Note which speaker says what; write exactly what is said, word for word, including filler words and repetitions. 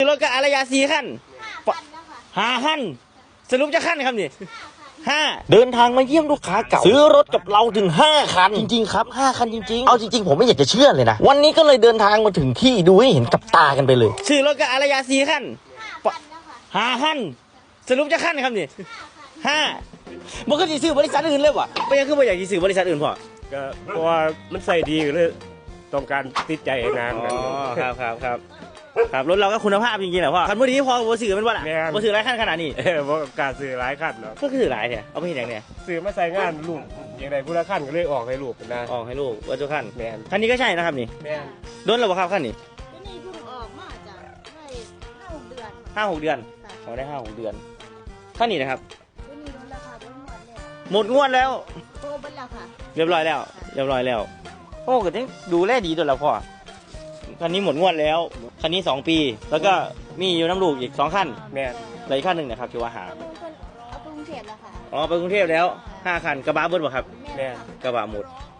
Speaker 1: รถกับอารยาสี่ขั้นห้าขั้นสรุปจะขั้นครับนี่ห้าเดินทางมาเยี่ยมลูกค้าเก่าซื้อรถกับเราถึงห้าคันจริงๆครับห้าคันจริงๆเอาจริงๆผมไม่อยากจะเชื่อเลยนะวันนี้ก็เลยเดินทางมาถึงที่ดูให้เห็นกับตากันไปเลยซื้อรถกับอารยาสี่ขั้นห้าขั้นสรุปจะขั้นครับนี่ห้ามันก็จะซื้อบริษัทอื่นเลยวะไม่ยังคือไม่อยากจะซื้อบริษัทอื่นพอ
Speaker 2: ก็เพราะว่ามันใส่ดีเลยต้องการติดใจนานกัน
Speaker 1: ครับครับครับครับรถเราก็คุณภาพจริงๆแหละพ่อคันพอดีพอผมซื้อมันว่าล่ะผมซื้อหลายขั้นขนาดนี้
Speaker 2: เออเพราะการซื้อหลายขั้นเนาะ
Speaker 1: ก็คือหลายเนี่ยเอาไปเห็นอย่างเนี้ย
Speaker 2: ซื้อมาใส่งานลูกอย่างไรผู้ละขั้นก็เลยออกให้ลูกนะ
Speaker 1: ออกให้ลูกว่าเจ้าขั้น
Speaker 2: แมน
Speaker 1: คันนี้ก็ใช่นะครับนี่
Speaker 2: แมน
Speaker 1: โดนหรือเปล่าครับขั้นนี้
Speaker 3: นี่เพิ่งออกมาจากได้ห้าหกเดือน
Speaker 1: ห้าหกเดือนเขาได้ห้าหกเดือนขั้นนี้นะครับ
Speaker 3: นี่ลดราคา
Speaker 1: หมดงวดแล้ว
Speaker 3: โตบันแล้วค่ะ
Speaker 1: เรียบร้อยแล้วเรียบร้อยแล้วโอ้ก็ต้องดูแลดีตัวแล้วพ่อคันนี้หมดงวดแล้วคันนี้สองปีแล้วก็มีอยู่น้ำลูกอีกสองขั้น
Speaker 2: แม่
Speaker 1: อะไรขั้นหนึ่งนะครับคือว่าหา
Speaker 3: เอาไปกรุงเทพแล้วค่ะ
Speaker 1: อ๋อไปกรุงเทพแล้วห้าคันกระบะเบิร์ดบ่ครับ
Speaker 2: แม่
Speaker 1: กระบะหมด